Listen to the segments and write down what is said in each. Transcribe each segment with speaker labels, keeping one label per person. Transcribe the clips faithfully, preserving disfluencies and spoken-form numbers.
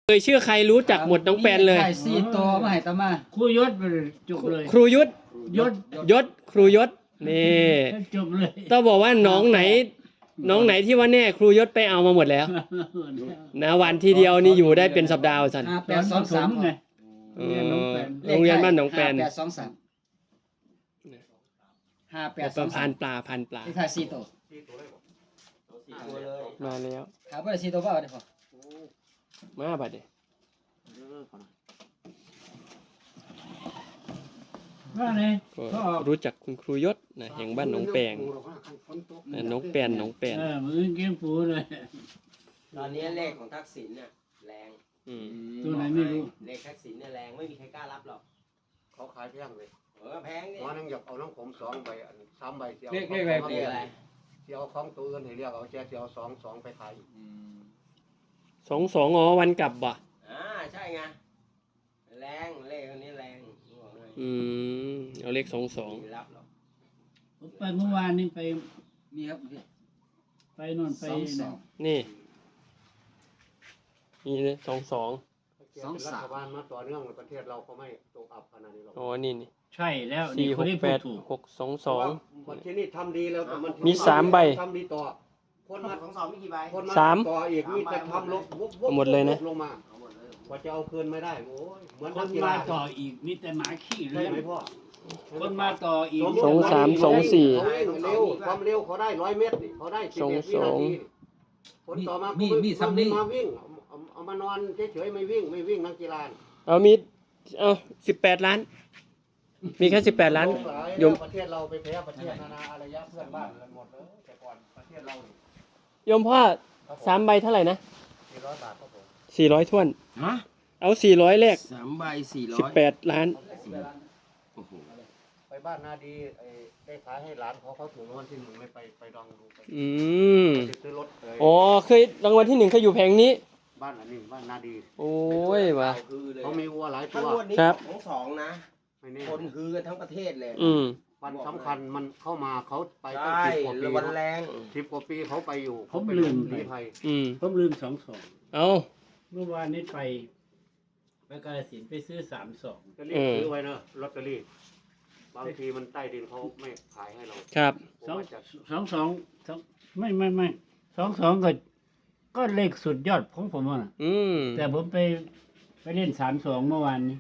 Speaker 1: เลยชื่อใครรู้จักหมดน้องแปนเลย
Speaker 2: ไข่สี่ตัวมาให้ตามา
Speaker 3: ครูยศไปเลยจบเลย
Speaker 1: ครูยุทธ
Speaker 3: ยศ
Speaker 1: ยศครูยศนี่
Speaker 3: จบเลย
Speaker 1: ต้องบอกว่าน้องไหน น้องไหนที่ว่าแน่ครูยศไปเอามาหมดแล้วนะวันทีเดียวนี่อยู่ได้เป็นสัปดาห์สัน
Speaker 2: ห้าแปดสองสาม
Speaker 3: ไง
Speaker 1: เออโรงเรียนบ้านหนองแปน
Speaker 2: ห้าแปดสองสามห้าแปดส
Speaker 1: ป
Speaker 2: อ
Speaker 1: ระ
Speaker 2: ง
Speaker 1: พั
Speaker 2: สาม
Speaker 1: นปลาพันปลา
Speaker 2: ที่ไข่สี่ตัว
Speaker 1: มาแล้ว
Speaker 2: ถามว่าสี่ตัวเปล่าได้พอ
Speaker 1: มาบัดเดี๋ยว
Speaker 3: ว่าไง
Speaker 1: ก็รู้จักคุณครูยศนะแห่งบ้านหนองแปงนะหนองแปนหนองแปน
Speaker 3: เออมือเกมปูเลย
Speaker 4: ตอนนี้เลขของทักษิณเนี่ยแรง
Speaker 1: อืม
Speaker 3: ตัวไหนไม่รู้
Speaker 4: เลขทักษิณเนี่ยแรงไม่มีใครกล้ารับหรอก
Speaker 5: เขาขายแพงเลย
Speaker 4: เออแพงดิ
Speaker 5: หมอนึงอยากเอาน้องผมสองใบอันสามใบเสียว
Speaker 4: เลขอะไร
Speaker 5: เสียวของตัวอื่นให้เรียกเอาแจเสียวสองสองไปขาย
Speaker 1: สองสองอ๋อวันกลับบ่ะ
Speaker 4: อ่าใช่ไงแรงเลขคนนี้แรงบอกเลย
Speaker 1: อืมเอาเลขสองสอง
Speaker 4: ไม่รับหรอก
Speaker 3: ผมไปเมื่อวานนี้ไป
Speaker 2: มีครับพี่
Speaker 3: ไปนอนไป
Speaker 2: สองสอง
Speaker 1: นี่นี่เลยสองสอง
Speaker 5: สองรัฐบาลมาต่อเนื่องในประเทศเราเขาไม่ตกอับขนาดนี้หรอก
Speaker 1: อ๋อนี่นี่
Speaker 3: ใช่แล้ว
Speaker 1: สี่
Speaker 3: นี่
Speaker 1: ห
Speaker 3: คน
Speaker 1: ก
Speaker 3: ที่
Speaker 1: แป
Speaker 3: พูด
Speaker 1: ด
Speaker 3: ถูก
Speaker 1: หกสองสอง
Speaker 5: วันที่นี่ทำดีแล้วแต่มัน
Speaker 1: มีสามใบ
Speaker 5: ทำดีต่อคนมา
Speaker 4: ของสองมีกี่ใบ
Speaker 5: คนมา
Speaker 1: สาม
Speaker 5: ต่ออีกมีแต่ทำลบวบวบ
Speaker 1: หมดเลยนะ
Speaker 5: วบลงมา
Speaker 4: เอาหมดเลย
Speaker 5: กว่าจะเอาคืนไม่ได้โอ้ยเหมือน
Speaker 3: ค
Speaker 5: นั
Speaker 3: น
Speaker 5: กกี
Speaker 3: มา
Speaker 5: ฬา
Speaker 3: ต่ออีกมีแต่หมาขี้เล
Speaker 5: ใช่
Speaker 3: ย
Speaker 5: ไหมพ่อ
Speaker 3: คนมาต่ออีก
Speaker 1: สองสามสองสี่
Speaker 5: เขาวิ่งเร็วความเร็วเขาได้ร้อยเมตรนี่เขาได้สิบเอ็ดวินาทีคนต่อมามีมีซ้ำนี่มาวิ่งเอาเอาเอามานอนเฉยๆไม่วิ่งไม่วิ่งนักกีฬา
Speaker 1: เอามีเอาสิบแปดล้าน มีแค่สิบแปดล้านโยม
Speaker 5: ประเทศเราไปแพ้ประเทศนานาอารยะเพื่อนบ้านกันหมดเลยแต่ก่อนประเทศเรานี่
Speaker 1: โยมพ่อสามใบเท่าไหร่นะ
Speaker 5: สี่ร้อยบาทครับผม
Speaker 1: สี่ร้อยถ้วน
Speaker 4: ฮะ
Speaker 1: เอาสี่ร้อยแรก
Speaker 4: สามใบสี่ร้
Speaker 1: สิบ
Speaker 4: อย
Speaker 1: แปดล้าน
Speaker 4: โอ้โห
Speaker 5: ไปบ้านนาดีไอ้ได้ขายให้หลานเขาเขาถูกรางวัลที่หนึ่งไม่ไปไปลองดูไป
Speaker 1: อืม
Speaker 5: ไปซื้อรถเ
Speaker 1: อ๋อเคยรางวัลที่หนึ่งเคยอยู่แผงนี้
Speaker 5: บ้านอันนี้บ้านนาดี
Speaker 1: โอ้ยว่ะ
Speaker 4: คือเลย
Speaker 5: เขามีวัวหลายตั
Speaker 4: ทั้ง
Speaker 5: ว
Speaker 4: งวดนี้
Speaker 1: ครับ
Speaker 4: ของสองนะ
Speaker 5: ไม่แน่
Speaker 4: คนคือกันทั้งประเทศเลย
Speaker 1: อืม
Speaker 5: วันสำคัญมันเข้ามาเขาไปตั้ง
Speaker 4: ใช่
Speaker 5: สิบกว่าปี
Speaker 4: วันแรง
Speaker 5: สิบกว่าปีเขาไปอยู่
Speaker 3: ผม
Speaker 5: ไป
Speaker 3: ลืม
Speaker 5: ลี้ภัย
Speaker 1: อืม
Speaker 3: ผมลืมสองสอง
Speaker 1: เอา
Speaker 3: เมื่อวานนี้ไปไปกาฬสินธุ์ไปซื้อสามสอง
Speaker 5: จะรีบซื้อไว้เนอะลอตเตอรี่บางทีมันใต้ดินเขาไม่ขายให้เรา
Speaker 1: ครับ
Speaker 5: ผม
Speaker 3: สอง
Speaker 5: ว่าจะ
Speaker 3: สองสองสองไม่ไม่ไม่สองสองก็ก็เลขสุดยอดของผมอ่ะ
Speaker 1: อืม
Speaker 3: แต่ผมไปไปเล่นสามสองเมื่อวานนี้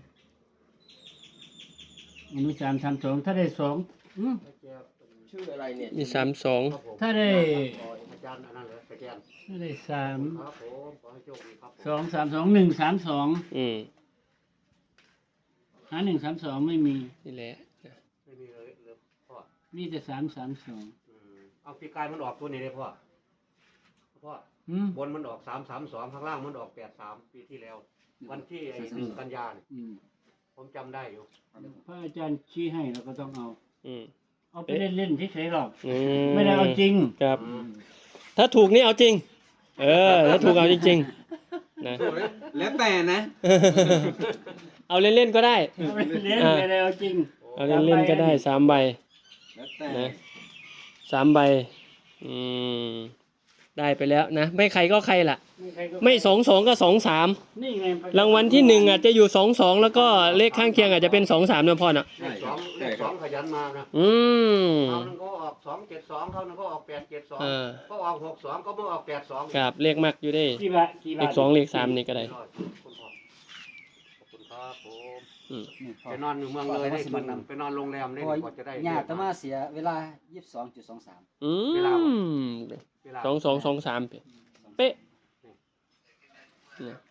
Speaker 3: อนุสามสามสองถ้าได้สองอืม
Speaker 4: ชื่ออะไรเนี่ย
Speaker 1: มีสามสอง
Speaker 5: ครับผม
Speaker 3: ถ้าได้
Speaker 5: อาจารย์อันนั้นเลยอาจารย์
Speaker 3: ถ้าได้สาม
Speaker 5: ครับผมขอให้โชคดีครับผม
Speaker 3: สองสามสองหนึ่งสามสอง
Speaker 1: อืม
Speaker 3: หาหนึ่งสามสองไม่มี
Speaker 1: นี่แหละ
Speaker 5: ไม่มีเลยเลยพ่อ
Speaker 3: มีแต่สามสามสอง
Speaker 5: อืมเอาปีกายมันออกตัวนี้เลยพ่อพ่อ
Speaker 3: อืม
Speaker 5: บนมันออกสามสามสองข้างล่างมันออกแปดสามปีที่แล้ว วันที่ไอ้หนึ่งกันยาเนี่ย
Speaker 3: อืม
Speaker 5: ผมจำได้อยู่
Speaker 3: พระอาจารย์ชี้ให้เราก็ต้องเอา
Speaker 1: อืม
Speaker 3: เอาไปเล่นเล่นๆเฉยๆหรอก
Speaker 1: อื
Speaker 3: ไม่ได้เอาจริง
Speaker 1: ครับ
Speaker 5: อืม
Speaker 1: ถ้าถูกนี่เอาจริง เออ ถ้าถูกเอาจริงๆนะ
Speaker 4: แล้วแต่นะ
Speaker 1: เอาเล่นๆก็ได้
Speaker 3: เอาไปเล่นไม่ได้เอาจริง
Speaker 1: เอาเล่นๆก็ได้สามใบ
Speaker 4: แล้วแต่
Speaker 1: นะสามใบ อืม ได้ไปแล้วนะ ไม่ใครก็ใครล่ะ
Speaker 3: ใครก็
Speaker 1: ไม่สองสองก็สองสาม
Speaker 3: นี่ไง
Speaker 1: รางวัลที่หนึ่งอาจจะอยู่สองสองแล้วก็เลขข้างเคียงอาจจะเป็นสองสามนะพ่อเนาะ
Speaker 5: เลขสองเลขสองขยันมานะ
Speaker 1: อืม
Speaker 5: เขานึงก็ออกสองเจ็ดสองเขานึงก็ออกแปดเจ็ดสอง
Speaker 1: เออ
Speaker 5: ก็ออกหกสองก็ไม่ออกแปดสอง
Speaker 1: ครับเลขมากอยู่ได้
Speaker 3: กี่บาทกี่
Speaker 1: เล
Speaker 3: บาท
Speaker 1: ขสองเลขสามนี่ก็ได้
Speaker 5: คุณพ่อขอบคุณครับผม
Speaker 1: อืม
Speaker 5: ไปนอนอยู่เมืองเลยได้คืนไปนอนโรงแรมได้
Speaker 2: พอ
Speaker 5: ดีกว่าจะได้
Speaker 2: ญาติตามาเสียเวลายี่สิบสองจุดสองสาม
Speaker 1: อืม
Speaker 5: เวลา
Speaker 1: สองสองสองสามเป๊ะเนี่ย